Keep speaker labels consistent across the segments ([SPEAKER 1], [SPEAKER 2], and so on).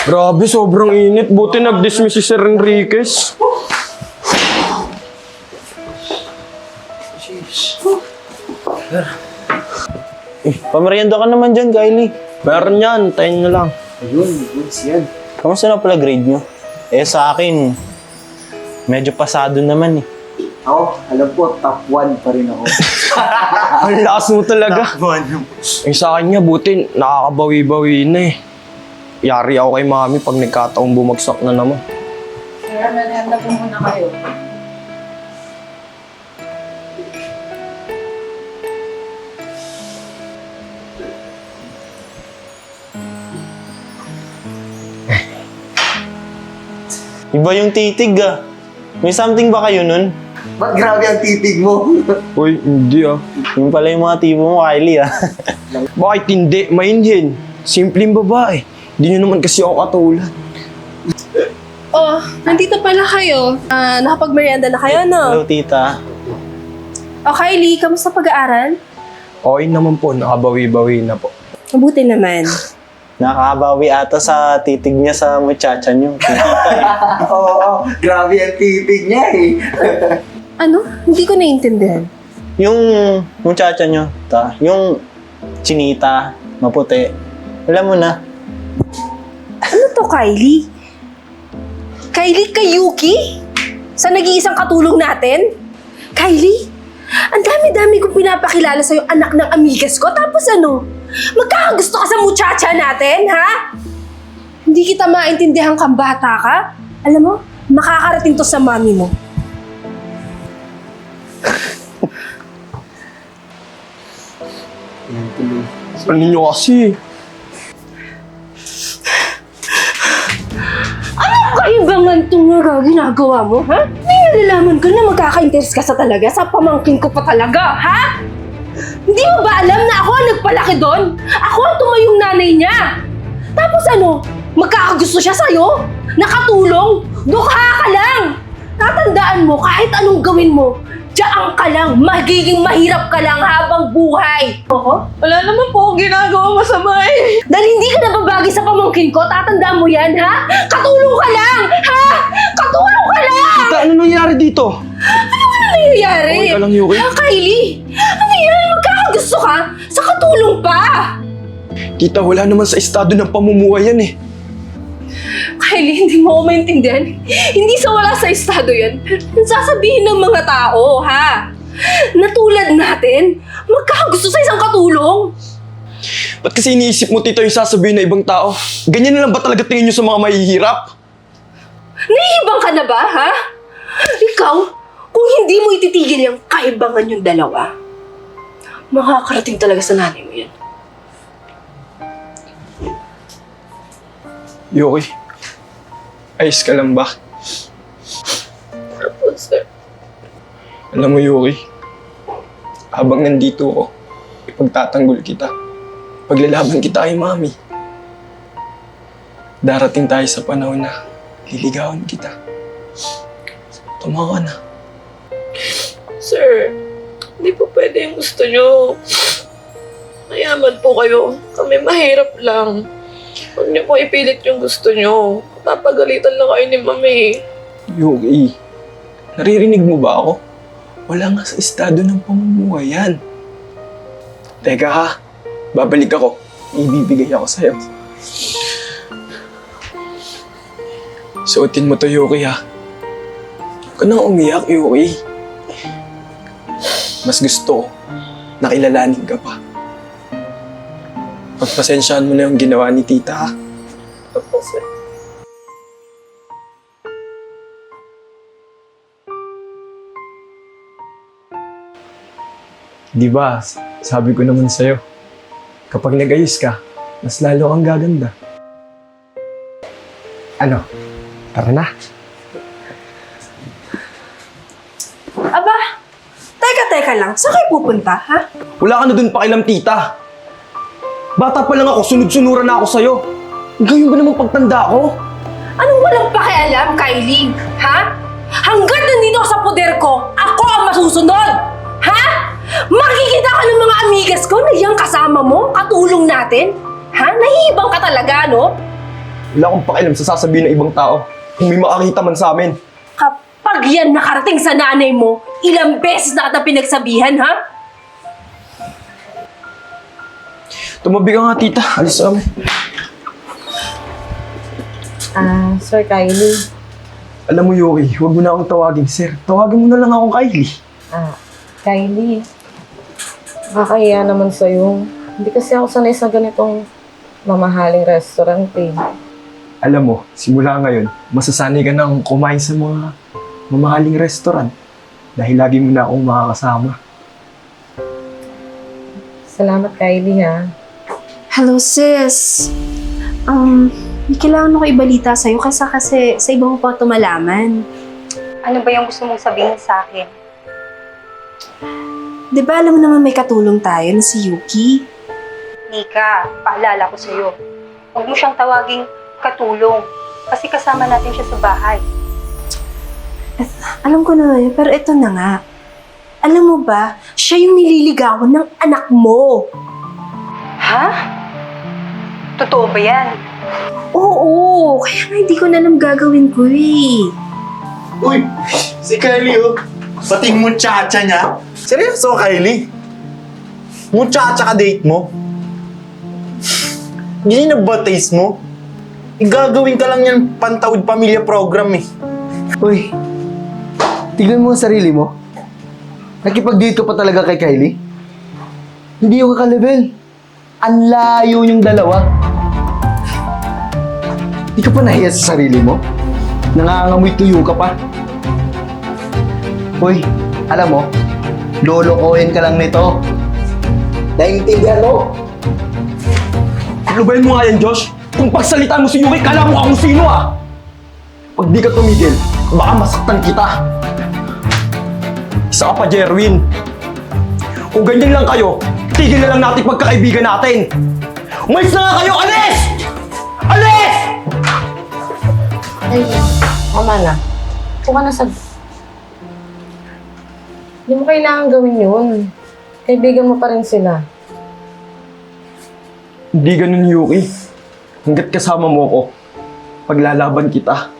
[SPEAKER 1] Grabe, sobrang init. Buti nag-dismiss si Sir Enriquez.
[SPEAKER 2] Pamerienda ka naman dyan, Kylie.
[SPEAKER 1] Meron yan, tayo nyo lang.
[SPEAKER 3] Ayun, goods yan.
[SPEAKER 2] Kamusta na pala grade nyo? Sa akin, medyo pasado naman eh.
[SPEAKER 3] Ako, alam ko, top 1 pa rin ako.
[SPEAKER 1] Ang lakas mo talaga. Sa akin nga, buti nakakabawi-bawi na eh. Yari ako kay mami pag nagkataong bumagsak na naman.
[SPEAKER 4] Kaya manhanda po muna kayo.
[SPEAKER 2] Iba yung titig ah. May something ba kayo nun?
[SPEAKER 3] Ba't grabe ang titig mo?
[SPEAKER 1] Uy, hindi ah.
[SPEAKER 2] Yung pala yung mga tipo mo, Kylie ah.
[SPEAKER 1] Bakit hindi? Mainhin. Simpleng babae. Hindi nyo naman kasi ako katulad.
[SPEAKER 5] Oh, nandito pala kayo. Nakapag-merienda na kayo,
[SPEAKER 2] Hello,
[SPEAKER 5] no?
[SPEAKER 2] tita.
[SPEAKER 5] O, Kylie, kamusta pag-aaral?
[SPEAKER 1] Okay naman po, nakabawi-bawi na po.
[SPEAKER 5] Mabuti naman.
[SPEAKER 2] Nakakabawi ata sa titig niya sa muchacha niyo.
[SPEAKER 3] Oo, grabe ang titig niya eh.
[SPEAKER 5] Ano? Hindi ko naiintindihan.
[SPEAKER 2] Yung muchacha niyo, yung chinita, maputi. Alam mo na.
[SPEAKER 5] Ano to, Kylie? Kylie Kayuki? Sa nag-iisang katulong natin? Kylie, ang dami-dami kong pinapakilala sa'yo anak ng amigas ko. Tapos ano? Magkakagusto ka sa muchacha natin, ha? Hindi kita maintindihan kang bata ka? Alam mo, makakarating to sa mami mo.
[SPEAKER 1] Ano nyo kasi?
[SPEAKER 5] Kaibangan itong ginagawa mo, ha? May nalalaman ko na magkaka-interest ka sa talaga, sa pamangkin ko pa talaga, ha? Hindi mo ba alam na ako ang nagpalaki doon? Ako ang tumayong nanay niya! Tapos ano, magkakagusto siya sa'yo? Nakatulong? Dukha ka lang! Tatandaan mo, kahit anong gawin mo, diyan ka lang, magiging mahirap ka lang habang buhay. Oo?
[SPEAKER 4] Wala naman po akong ginagawa masama eh.
[SPEAKER 5] Dahil hindi ka nababagi sa pamangkin ko, tatandaan mo yan, ha? Katulong ka lang! Ha? Katulong ka lang!
[SPEAKER 1] Tita, ano nangyari dito?
[SPEAKER 5] Ano nangyayari?
[SPEAKER 1] Okay ka lang, Yuki?
[SPEAKER 5] Ah, Kylie! Ano yan? Magkakagusto ka? Sa katulong pa!
[SPEAKER 1] Tita, wala naman sa estado ng pamumuhay yan eh.
[SPEAKER 5] Kylie, hindi mo ako maintindihan. Hindi sa wala sa estado yan. Ang sasabihin ng mga tao, ha? Natulad natin, magkakagusto sa isang katulong.
[SPEAKER 1] Ba't kasi iniisip mo, tita, yung sasabihin ng ibang tao? Ganyan na lang ba talaga tingin nyo sa mga mahihirap?
[SPEAKER 5] Nahihibang ka na ba, ha? Ikaw, kung hindi mo ititigil yung kaibangan yung dalawa, makakarating talaga sa nanay mo yan.
[SPEAKER 1] Yuki, ayos ka lang ba?
[SPEAKER 4] Opo, sir.
[SPEAKER 1] Alam mo, Yuki, habang nandito ako, ipagtatanggol kita. Paglalaban kita kay mami. Darating tayo sa panahon na liligawan kita. Tumawa na.
[SPEAKER 4] Sir, hindi po pwede yung gusto nyo. Mayaman po kayo. Kami mahirap lang. Huwag niyo po ipilit yung gusto nyo. Papagalitan lang kayo ni Mami.
[SPEAKER 1] Yuki, naririnig mo ba ako? Wala nga sa estado ng pamumuhay yan. Teka ha, babalik ako. Ibibigay ako sa'yo. Suotin mo to, Yuki ha. Huwag ka nang umiyak, Yuki. Mas gusto ko, nakilalanin ka pa. Pagpasensyahan mo na yung ginawa ni tita ha.
[SPEAKER 4] Opo, sir.
[SPEAKER 1] Di ba, sabi ko naman sa'yo, kapag nag-ayos ka, mas lalo kang gaganda. Ano? Tara na.
[SPEAKER 5] Aba, teka lang. Saan kayo pupunta, ha?
[SPEAKER 1] Wala ka na dun pakialam, tita. Bata pa lang ako, sunod-sunuran na ako sa'yo. Ngayon ba namang pagtanda ko?
[SPEAKER 5] Anong walang pakialam, Kylie? Ha? Hanggat nandito ako sa poder ko, ako ang masusunod! Ha? Makikita ka ng mga amigas ko na yung kasama mo, katulong natin? Ha? Nahihibang ka talaga, no?
[SPEAKER 1] Wala akong pakialam sa sasabihin ng ibang tao. Kung may makakita man sa amin.
[SPEAKER 5] Kapag yan nakarating sa nanay mo, ilang beses na kita pinagsabihan, ha?
[SPEAKER 1] Tumabi ka nga, tita. Alis kami.
[SPEAKER 4] Sir Kylie.
[SPEAKER 1] Alam mo, Yoki, huwag mo na akong tawagin, sir. Tawagin mo na lang akong Kylie.
[SPEAKER 4] Kylie. Nakakahiya naman sa'yo. Hindi kasi ako sanay sa ganitong mamahaling restaurant eh.
[SPEAKER 1] Alam mo, simula ngayon, masasanay ka nang kumain sa mga mamahaling restaurant. Dahil lagi mo na akong makakasama.
[SPEAKER 4] Salamat, Kylie, ha.
[SPEAKER 5] Hello, sis. May kailangan ako ibalita sa'yo kasi sa iba mo pa ito malaman.
[SPEAKER 6] Ano ba yung gusto mong sabihin sa akin?
[SPEAKER 5] Di ba alam mo naman may katulong tayo na si Yuki?
[SPEAKER 6] Nika, paalala ko sa'yo. Huwag mo siyang tawaging katulong kasi kasama natin siya sa bahay.
[SPEAKER 5] Alam ko na yun, pero ito na nga. Alam mo ba, siya yung nililigawan ng anak mo.
[SPEAKER 6] Ha? Totoo ba yan?
[SPEAKER 5] Oo, kaya nga hindi ko na alam gagawin ko eh.
[SPEAKER 7] Uy, si Kylie oh. Pati yung muchacha niya. Seryoso, Kylie? Muchacha ka date mo? Ganyan na ba taste mo? Igagawin ka lang yan pantawid pamilya program eh.
[SPEAKER 3] Uy, tignan mo ang sarili mo. Nakipag-date ka pa talaga kay Kylie? Hindi yung kakalevel. Ang layo yung dalawa. Di ka pa nahiya sa sarili mo? Nangangamoy tuyo ka pa. Uy, alam mo, lolokohin ka lang nito. Naintindihan mo?
[SPEAKER 1] Lubayan mo nga yan, Josh. Kung pagsalitaan mo si Yuki, kala mo akong sino ah! Pag di ka tumigil, baka masaktan kita. Isa ka pa, Jerwin. Kung ganyan lang kayo, tigil na lang natin pagkakaibigan natin. Umalis na nga kayo! Alis! Alis!
[SPEAKER 4] Ay, mama na. Kung ka na sa... Hindi mo kailangan gawin yun. Kaibigan mo pa rin sila.
[SPEAKER 1] Hindi ganun, Yuki. Hanggat kasama mo ko, paglalaban kita.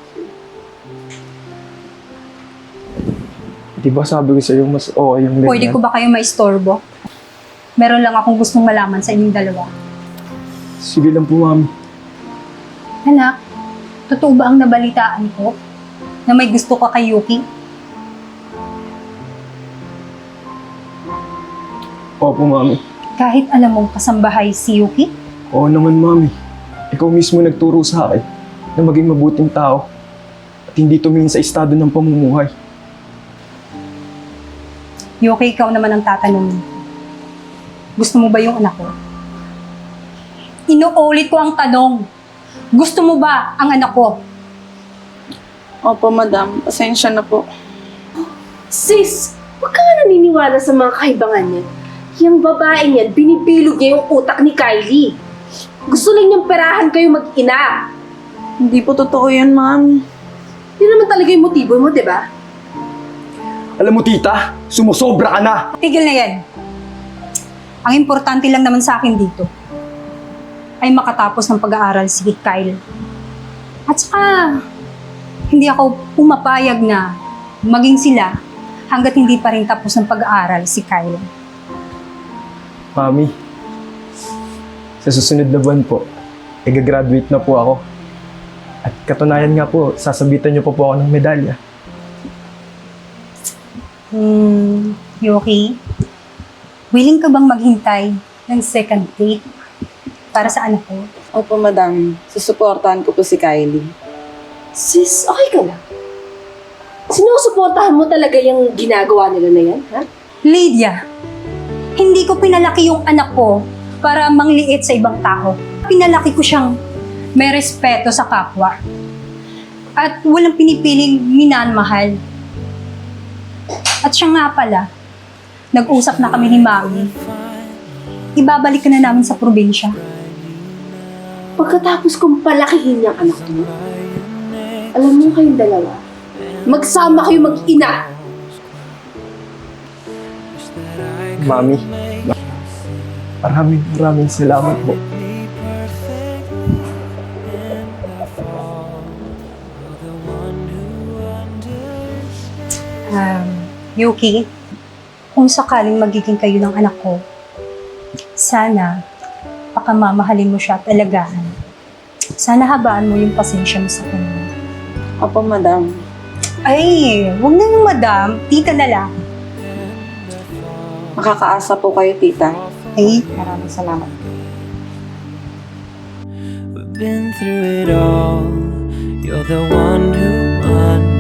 [SPEAKER 1] Di ba sabi ko sa'yo, mas okay yung ganyan?
[SPEAKER 8] Pwede ko ba kayo maistorbo? Meron lang akong gustong malaman sa inyong dalawa.
[SPEAKER 1] Sige lang po, mami.
[SPEAKER 8] Anak, totoo ba ang nabalitaan ko na may gusto ka kay Yuki?
[SPEAKER 1] Opo, mami.
[SPEAKER 8] Kahit alam mong kasambahay si Yuki?
[SPEAKER 1] Oo naman, mami. Ikaw mismo nagturo sa akin na maging mabuting tao at hindi tumingin sa estado ng pamumuhay.
[SPEAKER 8] Yuki, ikaw naman ang tatanungin. Gusto mo ba yung anak ko? Inuulit ko ang tanong. Gusto mo ba ang anak ko?
[SPEAKER 9] Opo, madam. Pasensya na po.
[SPEAKER 5] Sis, huwag ka nga naniniwala sa mga kaibangan niya. Yung babae niyan, binibilog niya yung utak ni Kylie. Gusto lang niyang perahan kayo mag-ina.
[SPEAKER 9] Hindi po totoo yan, ma'am.
[SPEAKER 5] Yun naman talaga yung motibo mo, di ba?
[SPEAKER 1] Alam mo, tita, sumusobra ka na.
[SPEAKER 8] Tigil na yan. Ang importante lang naman sa akin dito ay makatapos ng pag-aaral si Kyle. At saka, hindi ako pumapayag na maging sila hanggat hindi pa rin tapos ng pag-aaral si Kyle.
[SPEAKER 1] Mami, sa susunod na buwan po, i-graduate na po ako. At katunayan nga po, sasabitan niyo pa po ako ng medalya.
[SPEAKER 8] Yuki, willing ka bang maghintay ng second date para sa anak ko?
[SPEAKER 9] Opo, madam. Susuportahan ko po si Kylie.
[SPEAKER 5] Sis, okay ka lang. Sinusuportahan mo talaga yung ginagawa nila na yan, ha?
[SPEAKER 8] Lydia, hindi ko pinalaki yung anak ko para mangliit sa ibang tao. Pinalaki ko siyang may respeto sa kapwa. At walang pinipiling minamahal. At siya nga pala, nag-usap na kami ni Mami. Ibabalik ka na namin sa probinsya.
[SPEAKER 5] Pagkatapos kong palakihin yung anak mo, alam mo kayong dalawa, magsama kayo mag-ina.
[SPEAKER 1] Mami, maraming salamat po.
[SPEAKER 8] Yuki, kung sakaling magiging kayo ng anak ko, sana pakamamahalin mo siya at alagaan. Sana habaan mo yung pasensya mo sa kanya.
[SPEAKER 9] Opo, madam.
[SPEAKER 8] Ay, huwag na yung madam. Tita na lang.
[SPEAKER 9] Makakaasa po kayo, tita.
[SPEAKER 8] Ay,
[SPEAKER 9] Maraming salamat.
[SPEAKER 10] We've been through it all. You're the one who understands.